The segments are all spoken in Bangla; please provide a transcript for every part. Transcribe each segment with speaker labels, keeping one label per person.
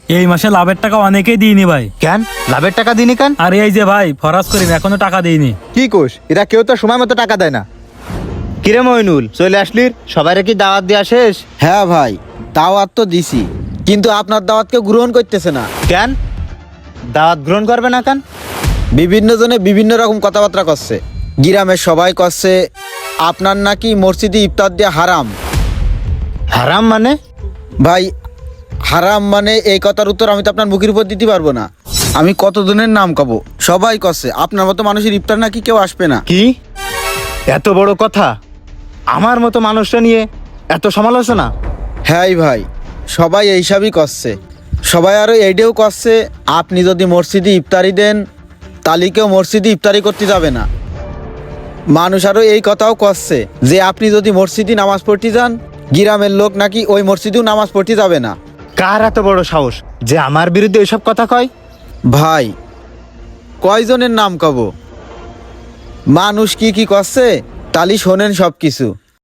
Speaker 1: এই মাসে লাভের টাকা অনেকেই দিইনি ভাই।
Speaker 2: কেন লাভের টাকা দিনি কেন?
Speaker 1: আর এই যে ভাই ফরাজ করিম এখনো টাকা দিইনি।
Speaker 2: কি কোষ, এরা কেউ তো সময় মতো টাকা দেয় না। কিরে মইনুল, চলে আসলির? সবাইরে কি দাওয়াত দেওয়া শেষ?
Speaker 3: হ্যাঁ ভাই, দাওয়াত তো দিছি, কিন্তু আপনার দাওয়াতকে গ্রহণ করতেছে না।
Speaker 2: কেন দাওয়াত গ্রহণ করবে না কেন?
Speaker 3: বিভিন্ন জনে বিভিন্ন রকম কথাবার্তা করছে। গ্রামের সবাই করছে আপনার নাকি মসজিদে ইফতার দেওয়া হারাম।
Speaker 2: হারাম মানে?
Speaker 3: ভাই হারাম মানে এই কথার উত্তর আমি তো আপনার মুখের উপর দিতে পারবো না। আমি কতজনের নাম কব, সবাই করছে আপনার মতো মানুষের ইফতার নাকি কেউ আসবে না।
Speaker 2: কি এত বড় কথা? আমার মতো মানুষটা নিয়ে এত সমালোচনা?
Speaker 3: হ্যাঁ ভাই, সবাই এইসবই করছে। সবাই আরও এইটাও করছে আপনি যদি মসজিদে ইফতারি দেন তাহলে কেউ মসজিদে ইফতারি করতে যাবে না। মানুষ আরও এই কথাও করছে যে আপনি যদি মসজিদে নামাজ পড়তে যান গ্রামের লোক নাকি ওই মসজিদেও নামাজ পড়তে যাবে না।
Speaker 2: কার এত বড় সাহস যে আমার বিরুদ্ধে এসব কথা কয়?
Speaker 3: ভাই কয়জনের নাম কব, মানুষ কি কি করছে তালি শোনেন সব কিছু।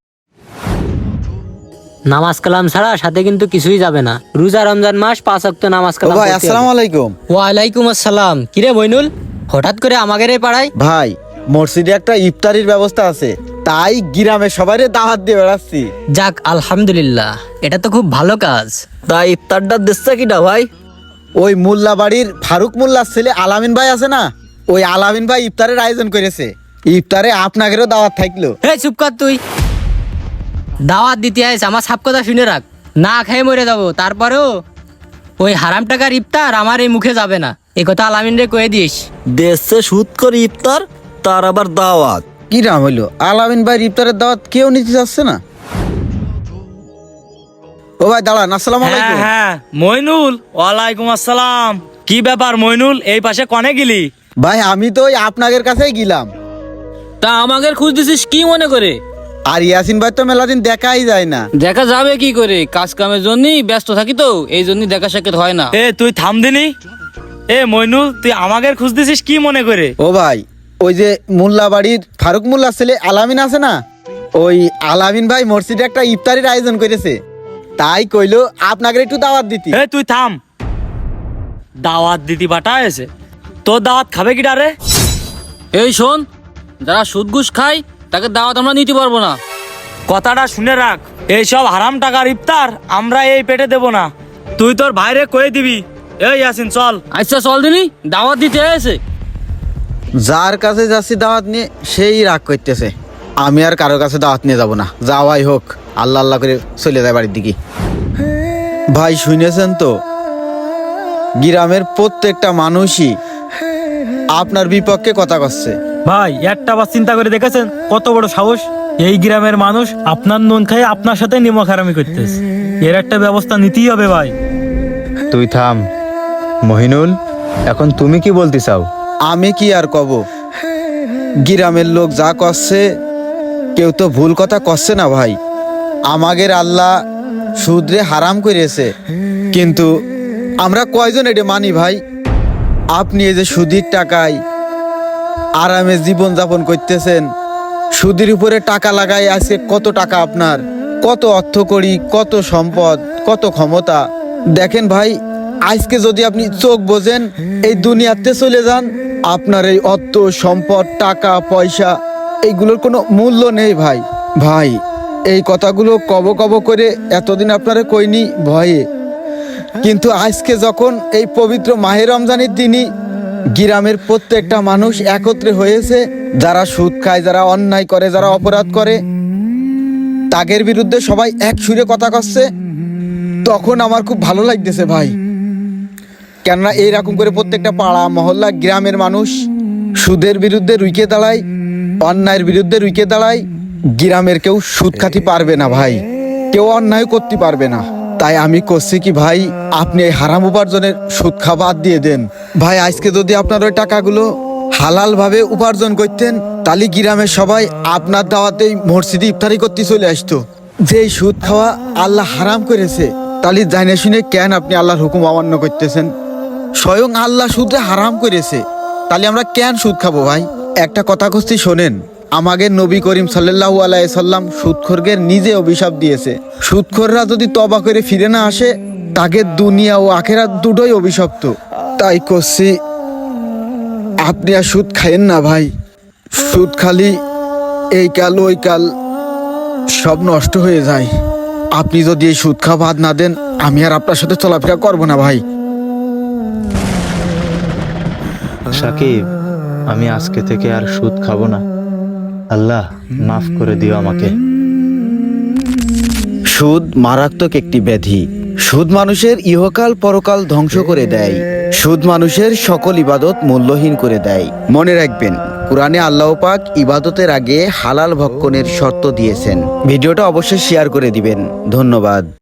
Speaker 4: নামাজ কালাম ছাড়া সাথে কিন্তু কিছুই যাবে না। রোজা রমজান মাস 5 ওয়াক্ত নামাজ
Speaker 3: ও
Speaker 4: কালাম
Speaker 3: ভাই
Speaker 4: পড়তে হবে।
Speaker 3: আসসালামু আলাইকুম।
Speaker 4: ওয়ালাইকুম আসসালাম। কিরে মইনুল, হঠাৎ করে আমাদের এই পাড়ায়?
Speaker 3: ভাই মসজিদে একটা ইফতারির ব্যবস্থা আছে, তাই গ্রামের সবাইরে দাওয়াত দিয়ে বেড়াচ্ছি।
Speaker 4: যাক আলহামদুলিল্লাহ, এটা তো খুব ভালো কাজ।
Speaker 5: তাই ইফতারটা দিচ্ছে কিনা ভাই?
Speaker 3: ওই মোল্লা বাড়ির ফারুক মোল্লার ছেলে আলামিন ভাই আছে না, ওই আলামিন ভাই ইফতারের আয়োজন করেছে। ইফতারে আপনাদেরও দাওয়াত থাকলো।
Speaker 4: এই চুপ কর তুই। দাওয়াত দিতে আইস, আমার সব কথা শুনে রাখ। না খেয়ে মরে যাবো, তারপরেও ওই হারাম টাকার ইফতার আমার এই মুখে যাবে না, এই কথা আলামিন রে কয়ে দিস।
Speaker 5: দেশে সুদ করে ইফতার, তার আবার দাওয়াত।
Speaker 3: কি নাম হইলো? আলামিন ভাই ইফতারের দাওয়াত কেউ নিতে চাচ্ছে না। ও ভাই দাঁড়ান, আসসালামু
Speaker 1: হ্যাঁ
Speaker 3: আলাইকুম।
Speaker 1: হ্যাঁ মইনুল, ওয়ালাইকুম আসসালাম। কি ব্যাপার মইনুল, এই পাশে কনে গেলি?
Speaker 3: ভাই আমি তো ওই আপনাদের কাছেই গেলাম।
Speaker 6: তা আমাদের খুঁজ দিছিস কি মনে করে?
Speaker 3: আর ইয়াসিন ভাই তো মেলাদিন দেখাই যায় না।
Speaker 6: দেখা যাবে কি করে, কাজ কামের জন্যই ব্যস্ত থাকি তো, এই জন্যই দেখা সাক্ষাৎ হয় না।
Speaker 1: এ তুই থাম দিনি। এ মইনুল, তুই আমাদের খুঁজতেছিস কি মনে করে?
Speaker 3: ও ভাই ওই যে মোল্লা বাড়ির ফারুক মোল্লার ছেলে আলামিন আছে না, ওই আলামিন ভাই মসজিদে একটা ইফতারির আয়োজন করেছে, তাই কইলো আপনাদের একটু দাওয়াত দিতি।
Speaker 1: এ তুই থাম। দাওয়াত দিতি বাটা এসে তোর দাওয়াত খাবে কি ডারে?
Speaker 6: এই শোন, যারা সুদ ঘুষ খায় তাকে দাওয়াত আমরা নিতে পারবো না।
Speaker 1: কথাটা শুনে রাখ, এইসব হারাম টাকার ইফতার আমরা এই পেটে দেব না। তুই তোর ভাইরে কয়ে দিবি। এই ইয়াসিন চল।
Speaker 6: আচ্ছা চল দিনি, দাওয়াত দিতে এসে।
Speaker 3: যার কাছে যাচ্ছি দাওয়াত নিয়ে সেই রাগ করতেছে। আমি আর কারো কাছে দাওয়াত নিয়ে যাব না, যাওয়াই হোক, আল্লাহ আল্লাহ করে চলে যায় বাড়ির দিকে। ভাই শুনেছেন তো, গ্রামের প্রত্যেকটা মানুষই আপনার বিপক্ষে কথা করছে।
Speaker 1: ভাই একটা বার চিন্তা করে দেখেছেন কত বড় সাহস? এই গ্রামের মানুষ আপনার নুন খাই আপনার সাথে নিমক হারামি করতেছে। এর একটা ব্যবস্থা নিতেই হবে ভাই।
Speaker 2: তুই থাম মহিনুল, এখন তুমি কি বলতে চাও?
Speaker 3: আমি কি আর কব, গ্রামের লোক যা করছে কেউ তো ভুল কথা করছে না ভাই। আমাদের আল্লাহ সুদরে হারাম করেছে, কিন্তু আমরা কয়জন এটা মানি ভাই? আপনি এই যে সুদের টাকায় আরামে জীবন যাপন করতেছেন, সুদের উপরে টাকা লাগাই আজকে কত টাকা আপনার, কত অর্থ করি, কত সম্পদ, কত ক্ষমতা। দেখেন ভাই, আজকে যদি আপনি চোখ বোঝেন এই দুনিয়াতে চলে যান, আপনার এই অর্থ সম্পদ টাকা পয়সা এইগুলোর কোনো মূল্য নেই ভাই। ভাই এই কথাগুলো কব কব করে এতদিন আপনারা কইনি ভয়ে, কিন্তু আজকে যখন এই পবিত্র মাহে রমজানের দিনই গ্রামের প্রত্যেকটা মানুষ একত্রে হয়েছে, যারা সুদ খায়, যারা অন্যায় করে, যারা অপরাধ করে, তাদের বিরুদ্ধে সবাই এক সুরে কথা করছে, তখন আমার খুব ভালো লাগতেছে ভাই। কেননা এইরকম করে প্রত্যেকটা পাড়া মহল্লা গ্রামের মানুষ সুদের বিরুদ্ধে রুইকে দাঁড়ায়, অন্যায়ের বিরুদ্ধে রুইকে দাঁড়ায়। গ্রামের কেউ সুদ খাতি পারবে না ভাই, কেউ অন্যায় করতে পারবে না। তাই আমি করছি কি ভাই, আপনি এই হারাম উপার্জনের সুদ খাওয়া বাদ দিয়ে দেন ভাই। আজকে যদি আপনার ওই টাকাগুলো হালাল ভাবে উপার্জন করতেন, তাহলে গ্রামের সবাই আপনার দাওয়াতেই মসজিদে ইফতারি করতে চলে আসতো। যেই সুদ খাওয়া আল্লাহ হারাম করেছে, তাহলে জানে শুনে কেন আপনি আল্লাহর হুকুম অমান্য করতেছেন? স্বয়ং আল্লাহ সুদে হারাম করেছে, তাহলে আমরা কেন সুদ খাবো ভাই? একটা কথা কচ্ছি শোনেন, আমাদের নবী করিম সাল্লাল্লাহু আলাইহি সাল্লাম সুদখোরদের নিজে অভিশাপ দিয়েছে। সুদখোররা যদি তওবা করে ফিরে না আসে, তাকে দুনিয়া ও আখেরাত দুটোই অভিশপ্ত। তাই করছি আপনি আর সুদ খাইয়েন না ভাই। সুদ খালি এই কাল ওই কাল সব নষ্ট হয়ে যায়। আপনি যদি এই সুদ খাওয়া বাদ না দেন, আমি আর আপনার সাথে চলাফেরা করবো না ভাই।
Speaker 2: সাকিব, আমি আজকে থেকে আর সুদ খাবো না। আল্লাহ মাফ করে দিও আমাকে।
Speaker 3: সুদ মারাত্মক একটি ব্যাধি। সুদ মানুষের ইহকাল পরকাল ধ্বংস করে দেয়। সুদ মানুষের সকল ইবাদত মূল্যহীন করে দেয়। মনে রাখবেন, কুরআনে আল্লাহ পাক ইবাদতের আগে হালাল ভক্ষণের শর্ত দিয়েছেন। ভিডিওটা অবশ্যই শেয়ার করে দিবেন। ধন্যবাদ।